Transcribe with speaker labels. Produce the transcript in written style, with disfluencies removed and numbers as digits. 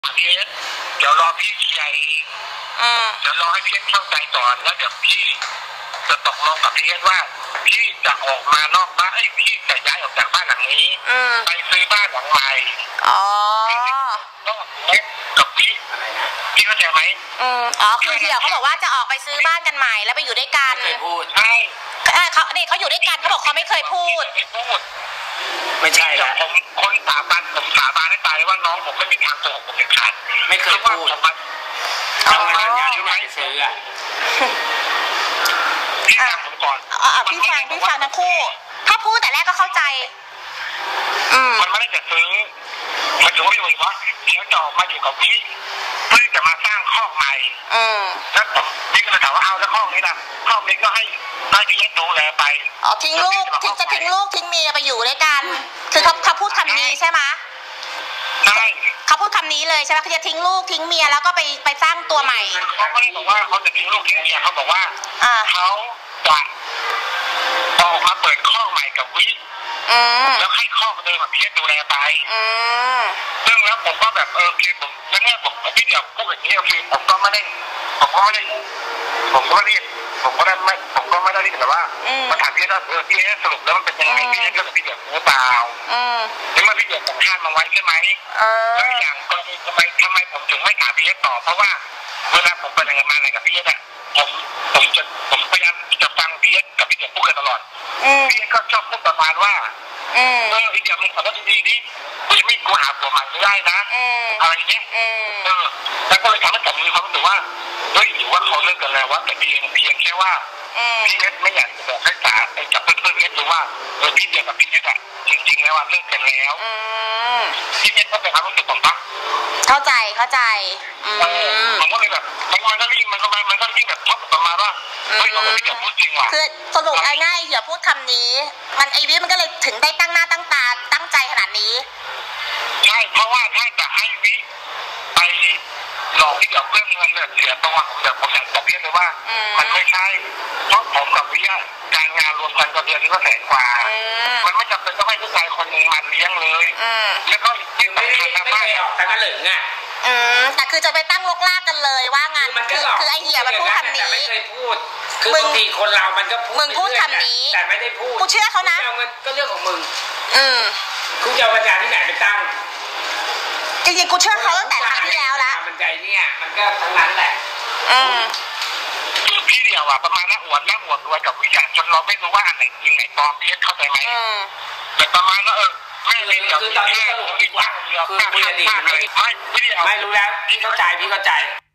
Speaker 1: พี่เอสเดี๋ยวรอพี่เคลียร์เองเดี๋ยวรอให้พี่เอสเข้าใจก่อนแล้วเดี๋ยวพี่จะตกลงกับพี่เอสว่าพี่จะออกมานอกบ้านพี่จะย้ายออกจากบ้านหลังนี้ไปซื้อบ้านหลังใหม่ก็เอสกับพี่เข้าใจไหม
Speaker 2: คือเดี๋ยวเขาบอกว่าจะออกไปซื้อบ้านกันใหม่แล้วไปอยู่ด้วยกัน
Speaker 1: ไม่เคยพูดใช่
Speaker 2: เขาอยู่ด้วยกันเขาบอกเขาไม่เคยพูด
Speaker 1: ไม่ใช่แล้วผมคนสาบานให้ตายว่าน้องผมไม่มีทางโกหกผมเด็ดขาดไม่เคยพูดทำงานยาที่ไหนซื้อพี่ฟังผมก่อน
Speaker 2: พี่ฟังทั้งคู่ถ้าพูดแต่แรกก็เข้าใจ
Speaker 1: มันไม่ได้จะซื้อมันถือว่าอยู่ว่าเดี๋ยวจะมาอยู่กับพี่เพื่อจะมาสร้างคอกใหม่แล้วพี่ก็เลยถามว่าเอาแล้วคอกนี้นะคอกนี้ก็ให้พี่เอสดูแลไป
Speaker 2: ทิ้งลูกทิ้งลูกทิ้งเมียไปอยู่ด้วยกันคือเขาพูดคำนี้ใช่ไหม
Speaker 1: ใช่
Speaker 2: เขาพูดคำนี้เลยใช่ไหมเขาจะทิ้งลูกทิ้งเมียแล้วก็ไปสร้างตัวใหม่
Speaker 1: เขาไม่ได้บอกว่าเขาจะทิ้งลูกทิ้งเมียเขาบอกว่าเขาจะออกมาเปิดคอกใหม่กับวิแล้วให้คอกเดิมแบบพี่เอสดูแลไปซึ่งแล้วผมก็แบบคือผมแล้วเนี่ยผมพี่เดียวพูดแบบนี้คือผมก็ไม่ได้แต่ว่ามาถามพี่เอสว่าพี่เอสสรุปแล้วมันเป็นยังไงพี่เอสก็พี่เดียวรู้เปล่าแล้วมาพี่เดียวผมคาดมาไว้ใช่ไหมแล้วอย่างกรณีทำไมผมถึงไม่ถามพี่เอสต่อเพราะว่าเวลาผมไปทำงานอะไรกับพี่เอสผมพยายามจะฟังพี่เอสกับพี่เดียวพูดกันตลอดพี่เอสก็ชอบพูดประมาณว่าพี่เดียวมึงขอโทษดีๆนี่กูหาผัวใหม่ไม่ได้นะอะไรเงี้ยแล้วก็เลยทำให้ผมมีความรู้สึกว่าเฮ้ยหรือว่าเขาเลิกกันแล้วว่าแต่เพียงแค่ว่าพี่เอสไม่อยากจะบอกให้สาไปจับเพื่อนเอสดูว่าพี่เดียวกับพี่เอสอะจริงๆแล้วว่าเลิกกันแล้วพี่เอสก็เป็นความรู้สึกผมปะ
Speaker 2: เข้าใจ
Speaker 1: ผมก็เลยแบบมันก็ยิ่งแบบชอบประมาณว่าเฮ้ยเราไม่อยากพูดจริงว่ะ
Speaker 2: คือสรุปง่ายๆอย่าพูดคำนี้มันไอวิมันก็เลยถึงได้ตั้งหน้าตั้งตาตั้งใจขนาดนี้
Speaker 1: ใช่เพราะว่าถ้าจะให้วิไปหลอกพี่เดียวเพื่อเงินเสียตัวผมอยากจะเรียกเลยว่ามันไม่ใช่เพราะผมกับวิการงานรวมกันก็เดือนนี้ก็100,000 กว่ามันไม่จำเป็นต้องให้ผู้ชายคนนึงมาเลี้ยงเลยแล้วก็จริงไม่ได้ออกแต่ก็เหลืองอ่ะ
Speaker 2: แต่คือจะไปตั้งลกลากกันเลยว่างานคือไอเหี้ยมันพูดคำนี้
Speaker 1: ไม่เคยพูดคือบางทีคนเรามันก็
Speaker 2: มึงพูดคำนี้
Speaker 1: แต่ไม่ได้พูด
Speaker 2: กูเชื่อเขานะ
Speaker 1: ก็เรื่องของมึงคุณจะเอาปัญญาที่ไหนไปตั้ง
Speaker 2: จริงๆกูเชื่อเขาตั้งแต่ครั้งที่แล้วละ
Speaker 1: มันใจเนี่ยมันก็ทั้งนั้นแหละพี่เดียวอ่ะประมาณน่าอวดรวยกับวิญญาณจนเราไม่รู้ว่าอันไหนจริงไหนปลอมพี่เข้าใจไหมแต่ประมาณว่าไม่เดียวคือตอนนี้สรุปดีกว่าคือคุยอดีตไม่รู้แล้วพี่เข้าใจ